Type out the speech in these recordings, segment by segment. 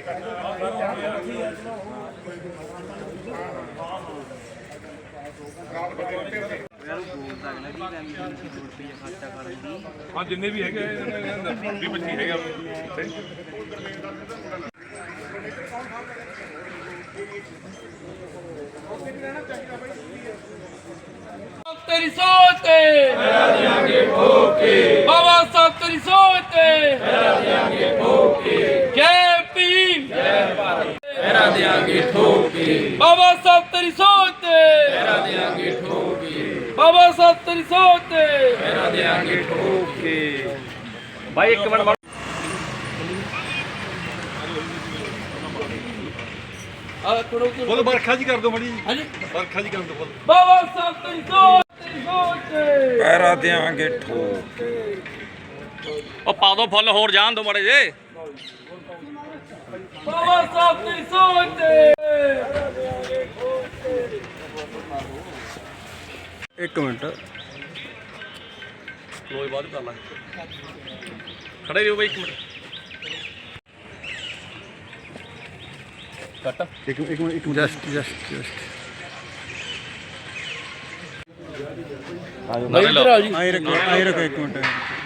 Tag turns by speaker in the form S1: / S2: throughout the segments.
S1: हाँ जिन्ने भी है 20-25 है
S2: तेरी सोच ते बाबा साहब तेरी सोच ते जय भीम बाबा साहब तेरी सोच ते बाबा साहब तेरी सोच ते
S1: भाई एक मिनट बोलो बरखा जी कर दो मड़ी बरखा जी कर दो
S2: बाबा साहब तेरी सोच
S3: पैरा देंगे ठोक
S4: पा दो फुल होर जान दो माड़े जे
S2: बाबा साहब तेरी सोच
S3: एक मिनट
S4: लोई बाद कर ला खड़े रहो भाई एक मिनट कट
S3: एक मिनट जस्ट आई रखो एक मिनट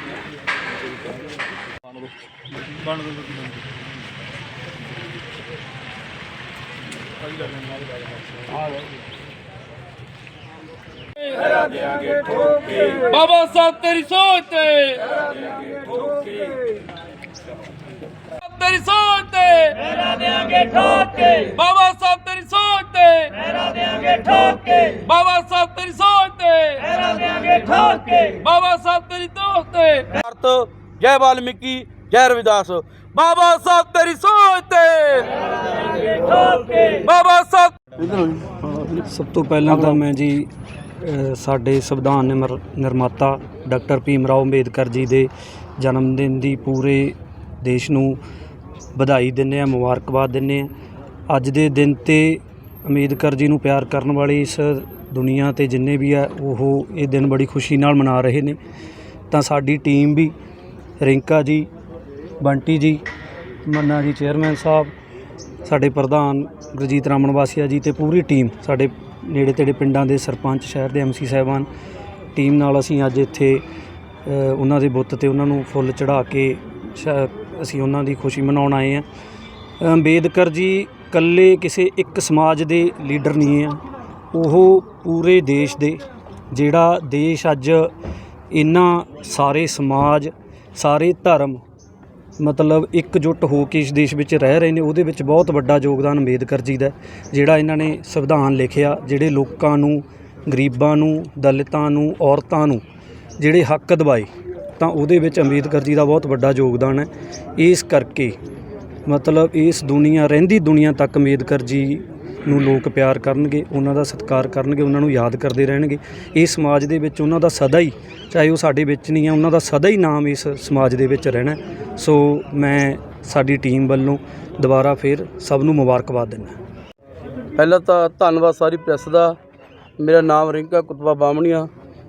S2: बाबा साहब तेरी सोच तेरी सोच बाबा साहब तेरी सोच बाबा साहब तेरी सोच बाबा साहब तेरी दोस्त जय वाल्मीकि जय रविदास बाबा साहब तेरी सोच बाबा साहब
S5: ਸਭ ਤੋਂ ਪਹਿਲਾਂ ਤਾਂ ਮੈਂ ਜੀ ਸਾਡੇ ਸੰਵਿਧਾਨ ਨਿਰਮਾਤਾ ਡਾਕਟਰ ਭੀਮ ਰਾਓ ਅੰਬੇਦਕਰ ਜੀ ਦੇ ਜਨਮ ਦਿਨ ਦੀ ਪੂਰੇ ਦੇਸ਼ ਨੂੰ ਵਧਾਈ ਦਿੰਦੇ ਹਾਂ, ਮੁਬਾਰਕਬਾਦ ਦਿੰਦੇ ਹਾਂ। ਅੱਜ ਦੇ ਦਿਨ 'ਤੇ ਅੰਬੇਦਕਰ ਜੀ ਨੂੰ ਪਿਆਰ ਕਰਨ ਵਾਲੀ ਇਸ ਦੁਨੀਆ 'ਤੇ ਜਿੰਨੇ ਵੀ ਆ ਉਹ ਇਹ ਦਿਨ ਬੜੀ ਖੁਸ਼ੀ ਨਾਲ ਮਨਾ ਰਹੇ ਨੇ। ਤਾਂ ਸਾਡੀ ਟੀਮ ਵੀ ਰਿੰਕਾ ਜੀ, ਬੰਟੀ ਜੀ, ਮੰਨਾ ਜੀ ਚੇਅਰਮੈਨ ਸਾਹਿਬ, ਸਾਡੇ ਪ੍ਰਧਾਨ ਗੁਰਜੀਤ ਰਾਮਨ ਵਾਸੀਆ ਜੀ ਅਤੇ ਪੂਰੀ ਟੀਮ, ਸਾਡੇ ਨੇੜੇ ਤੇੜੇ ਪਿੰਡਾਂ ਦੇ ਸਰਪੰਚ, ਸ਼ਹਿਰ ਦੇ MC ਸਾਹਿਬਾਨ ਟੀਮ ਨਾਲ ਅਸੀਂ ਅੱਜ ਇੱਥੇ ਉਹਨਾਂ ਦੇ ਬੁੱਤ 'ਤੇ ਉਹਨਾਂ ਨੂੰ ਫੁੱਲ ਚੜ੍ਹਾ ਕੇ ਅਸੀਂ ਉਹਨਾਂ ਦੀ ਖੁਸ਼ੀ ਮਨਾਉਣ ਆਏ ਹਾਂ। ਅੰਬੇਦਕਰ ਜੀ ਇਕੱਲੇ ਕਿਸੇ ਇੱਕ ਸਮਾਜ ਦੇ ਲੀਡਰ ਨਹੀਂ ਆ, ਉਹ ਪੂਰੇ ਦੇਸ਼ ਦੇ, ਜਿਹੜਾ ਦੇਸ਼ ਅੱਜ ਇਹਨਾਂ ਸਾਰੇ ਸਮਾਜ, ਸਾਰੇ ਧਰਮ ਮਤਲਬ ਇਕਜੁੱਟ ਹੋ ਕੇ ਇਸ ਦੇਸ਼ ਵਿੱਚ ਰਹਿ ਰਹੇ ਨੇ, ਉਹਦੇ ਵਿੱਚ ਬਹੁਤ ਵੱਡਾ ਯੋਗਦਾਨ ਅੰਬੇਦਕਰ ਜੀ ਦਾ। ਜਿਹੜਾ ਇਹਨਾਂ ਨੇ ਸੰਵਿਧਾਨ ਲਿਖਿਆ, ਜਿਹੜੇ ਲੋਕਾਂ ਨੂੰ, ਗਰੀਬਾਂ ਨੂੰ, ਦਲਿਤਾਂ ਨੂੰ, ਔਰਤਾਂ ਨੂੰ ਜਿਹੜੇ ਹੱਕ ਦਿਵਾਏ, ਤਾਂ ਉਹਦੇ ਵਿੱਚ ਅੰਬੇਦਕਰ ਜੀ ਦਾ ਬਹੁਤ ਵੱਡਾ ਯੋਗਦਾਨ ਹੈ। ਇਸ ਕਰਕੇ ਮਤਲਬ ਇਸ ਦੁਨੀਆ, ਰਹਿੰਦੀ ਦੁਨੀਆ ਤੱਕ ਅੰਬੇਦਕਰ ਜੀ ਨੂੰ ਲੋਕ ਪਿਆਰ ਕਰਨਗੇ, ਉਹਨਾਂ ਦਾ ਸਤਿਕਾਰ ਕਰਨਗੇ, ਉਹਨਾਂ ਨੂੰ ਯਾਦ ਕਰਦੇ ਰਹਿਣਗੇ। ਇਸ ਸਮਾਜ ਦੇ ਵਿੱਚ ਉਹਨਾਂ ਦਾ ਸਦਾ ਹੀ, ਚਾਹੇ ਉਹ ਸਾਡੇ ਵਿੱਚ ਨਹੀਂ ਆ, ਉਹਨਾਂ ਦਾ ਸਦਾ ਹੀ ਨਾਮ ਇਸ ਸਮਾਜ ਦੇ ਵਿੱਚ ਰਹਿਣਾ। ਸੋ ਮੈਂ ਸਾਡੀ ਟੀਮ ਵੱਲੋਂ ਦੁਬਾਰਾ ਫਿਰ ਸਭ ਨੂੰ ਮੁਬਾਰਕਬਾਦ ਦਿੰਦਾ।
S6: ਪਹਿਲਾਂ ਤਾਂ ਧੰਨਵਾਦ ਸਾਰੀ ਪ੍ਰੈਸ ਦਾ। ਮੇਰਾ ਨਾਮ ਰਿੰਕਾ ਕੁਤਬਾ ਬਾਮਣੀਆ,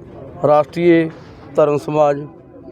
S6: ਰਾਸ਼ਟਰੀ ਧਰਮ ਸਮਾਜ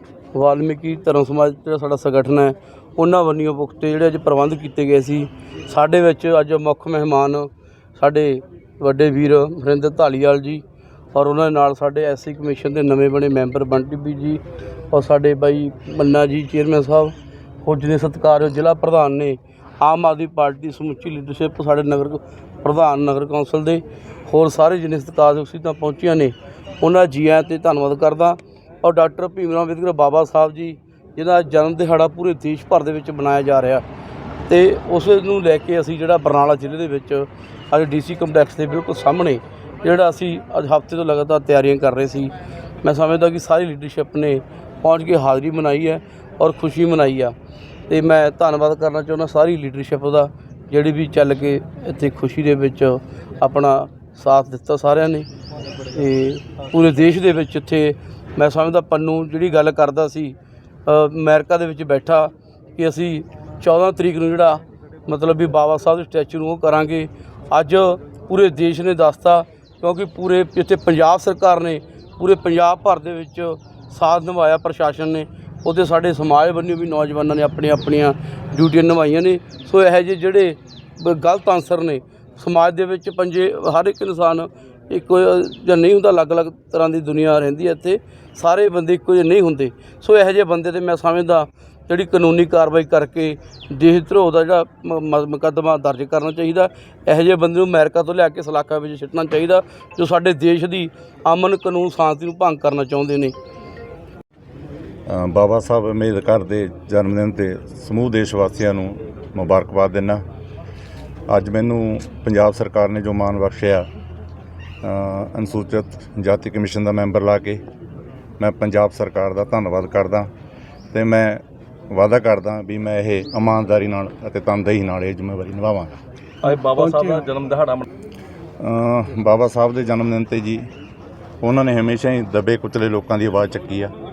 S6: ਵਾਲਮੀਕੀ ਧਰਮ ਸਮਾਜ ਜਿਹੜਾ ਸਾਡਾ ਸੰਗਠਨ ਹੈ, ਉਹਨਾਂ ਵੱਲੋਂ ਪੁਖਤੇ ਜਿਹੜੇ ਅੱਜ ਪ੍ਰਬੰਧ ਕੀਤੇ ਗਏ ਸੀ। ਸਾਡੇ ਵਿੱਚ ਅੱਜ ਮੁੱਖ ਮਹਿਮਾਨ ਸਾਡੇ ਵੱਡੇ ਵੀਰ ਵਰਿੰਦਰ ਧਾਲੀਵਾਲ ਜੀ, ਔਰ ਉਹਨਾਂ ਦੇ ਨਾਲ ਸਾਡੇ SC ਕਮਿਸ਼ਨ ਦੇ ਨਵੇਂ ਬਣੇ ਮੈਂਬਰ ਬੰਟੀ ਵੀ ਜੀ, ਔਰ ਸਾਡੇ ਬਾਈ ਮੰਨਾ ਜੀ ਚੇਅਰਮੈਨ ਸਾਹਿਬ, ਹੋਰ ਜਿੰਨੇ ਸਤਿਕਾਰਯੋਗ ਜ਼ਿਲ੍ਹਾ ਪ੍ਰਧਾਨ ਨੇ, ਆਮ ਆਦਮੀ ਪਾਰਟੀ ਦੀ ਸਮੁੱਚੀ ਲੀਡਰਸ਼ਿਪ, ਸਾਡੇ ਨਗਰ ਪ੍ਰਧਾਨ ਨਗਰ ਕੌਂਸਲ ਦੇ, ਹੋਰ ਸਾਰੇ ਜਿੰਨੇ ਸਤਿਕਾਰਯੋਗ ਸੀਟਾਂ ਪਹੁੰਚੀਆਂ ਨੇ, ਉਹਨਾਂ ਜੀ ਆਇਆਂ 'ਤੇ ਧੰਨਵਾਦ ਕਰਦਾ। ਔਰ ਡਾਕਟਰ ਭੀਮ ਰਾਓ ਅੰਬੇਦਕਰ ਬਾਬਾ ਸਾਹਿਬ ਜੀ ਜਿਹਦਾ ਜਨਮ ਦਿਹਾੜਾ ਪੂਰੇ ਦੇਸ਼ ਭਰ ਦੇ ਵਿੱਚ ਮਨਾਇਆ ਜਾ ਰਿਹਾ, ਅਤੇ ਉਸ ਨੂੰ ਲੈ ਕੇ ਅਸੀਂ ਜਿਹੜਾ ਬਰਨਾਲਾ ਜ਼ਿਲ੍ਹੇ ਦੇ ਵਿੱਚ ਅੱਜ DC ਕੰਪਲੈਕਸ ਦੇ ਬਿਲਕੁਲ ਸਾਹਮਣੇ ਜਿਹੜਾ ਅਸੀਂ ਅੱਜ ਹਫ਼ਤੇ ਤੋਂ ਲਗਾਤਾਰ ਤਿਆਰੀਆਂ ਕਰ ਰਹੇ ਸੀ। ਮੈਂ ਸਮਝਦਾ ਕਿ ਸਾਰੀ ਲੀਡਰਸ਼ਿਪ ਨੇ ਪਹੁੰਚ ਕੇ ਹਾਜ਼ਰੀ ਮਨਾਈ ਹੈ ਔਰ ਖੁਸ਼ੀ ਮਨਾਈ ਆ, ਅਤੇ ਮੈਂ ਧੰਨਵਾਦ ਕਰਨਾ ਚਾਹੁੰਦਾ ਸਾਰੀ ਲੀਡਰਸ਼ਿਪ ਦਾ, ਜਿਹੜੀ ਵੀ ਚੱਲ ਕੇ ਇੱਥੇ ਖੁਸ਼ੀ ਦੇ ਵਿੱਚ ਆਪਣਾ ਸਾਥ ਦਿੱਤਾ ਸਾਰਿਆਂ ਨੇ। ਅਤੇ ਪੂਰੇ ਦੇਸ਼ ਦੇ ਵਿੱਚ ਇੱਥੇ ਮੈਂ ਸਮਝਦਾ ਪੰਨੂ ਜਿਹੜੀ ਗੱਲ ਕਰਦਾ ਸੀ ਅਮਰੀਕਾ ਦੇ ਵਿੱਚ ਬੈਠਾ ਕਿ ਅਸੀਂ 14 ਤਰੀਕ ਨੂੰ ਜਿਹੜਾ ਮਤਲਬ ਵੀ ਬਾਬਾ ਸਾਹਿਬ ਦੇ ਸਟੈਚੂ ਨੂੰ ਉਹ ਕਰਾਂਗੇ, ਅੱਜ ਪੂਰੇ ਦੇਸ਼ ਨੇ ਦੱਸਤਾ, ਕਿਉਂਕਿ ਪੂਰੇ ਇੱਥੇ ਪੰਜਾਬ ਸਰਕਾਰ ਨੇ ਪੂਰੇ ਪੰਜਾਬ ਭਰ ਦੇ ਵਿੱਚ ਸਾਥ ਨਿਭਾਇਆ, ਪ੍ਰਸ਼ਾਸਨ ਨੇ ਉੱਥੇ ਸਾਡੇ ਸਮਾਜ ਵੱਲੋਂ ਵੀ ਨੌਜਵਾਨਾਂ ਨੇ ਆਪਣੀਆਂ ਡਿਊਟੀਆਂ ਨਿਭਾਈਆਂ ਨੇ। ਸੋ ਇਹੋ ਜਿਹੇ ਜਿਹੜੇ ਗਲਤ ਆਨਸਰ ਨੇ ਸਮਾਜ ਦੇ ਵਿੱਚ ਪੰਜੇ, ਹਰ ਇੱਕ ਇਨਸਾਨ ਇੱਕੋ ਜਿਹਾ ਨਹੀਂ ਹੁੰਦਾ, ਅਲੱਗ-ਅਲੱਗ ਤਰ੍ਹਾਂ ਦੀ ਦੁਨੀਆ ਰਹਿੰਦੀ ਹੈ ਇੱਥੇ, ਸਾਰੇ ਬੰਦੇ ਇੱਕੋ ਜਿਹੇ ਨਹੀਂ ਹੁੰਦੇ। ਸੋ ਇਹੋ ਜਿਹੇ ਬੰਦੇ 'ਤੇ ਮੈਂ ਸਮਝਦਾ ਜਿਹੜੀ ਕਾਨੂੰਨੀ ਕਾਰਵਾਈ ਕਰਕੇ ਦੇਸ਼ ਧਰੋਹ ਦਾ ਜਿਹੜਾ ਮੁਕੱਦਮਾ ਦਰਜ ਕਰਨਾ ਚਾਹੀਦਾ। ਇਹੋ ਜਿਹੇ ਬੰਦੇ ਨੂੰ ਅਮਰੀਕਾ ਤੋਂ ਲਿਆ ਕੇ ਸਲਾਖਾਂ ਵਿੱਚ ਸਿੱਟਣਾ ਚਾਹੀਦਾ ਜੋ ਸਾਡੇ ਦੇਸ਼ ਦੀ ਅਮਨ ਕਾਨੂੰਨ ਸ਼ਾਂਤੀ ਨੂੰ ਭੰਗ ਕਰਨਾ ਚਾਹੁੰਦੇ ਨੇ।
S7: ਬਾਬਾ ਸਾਹਿਬ ਅੰਬੇਦਕਰ ਦੇ ਜਨਮ ਦਿਨ 'ਤੇ ਸਮੂਹ ਦੇਸ਼ ਵਾਸੀਆਂ ਨੂੰ ਮੁਬਾਰਕਬਾਦ ਦਿੰਦਾ। ਅੱਜ ਮੈਨੂੰ ਪੰਜਾਬ ਸਰਕਾਰ ਨੇ ਜੋ ਮਾਣ ਬਖਸ਼ਿਆ ਅਨੁਸੂਚਿਤ ਜਾਤੀ ਕਮਿਸ਼ਨ ਦਾ ਮੈਂਬਰ ਲਾ ਕੇ, ਮੈਂ ਪੰਜਾਬ ਸਰਕਾਰ ਦਾ ਧੰਨਵਾਦ ਕਰਦਾ ਅਤੇ ਮੈਂ ਵਾਅਦਾ ਕਰਦਾ ਵੀ ਮੈਂ ਇਹ ਇਮਾਨਦਾਰੀ ਨਾਲ ਅਤੇ ਤਨਦੇਹੀ ਨਾਲ ਇਹ ਜ਼ਿੰਮੇਵਾਰੀ ਨਿਭਾਵਾਂਗਾ।
S1: ਅੱਜ ਬਾਬਾ ਸਾਹਿਬ ਦਾ ਜਨਮ ਦਿਹਾੜਾ
S7: ਬਾਬਾ ਸਾਹਿਬ ਦੇ ਜਨਮ ਦਿਨ 'ਤੇ ਜੀ ਉਹਨਾਂ ਨੇ ਹਮੇਸ਼ਾ ਹੀ ਦੱਬੇ ਕੁਚਲੇ ਲੋਕਾਂ ਦੀ ਆਵਾਜ਼ ਚੱਕੀ ਆ।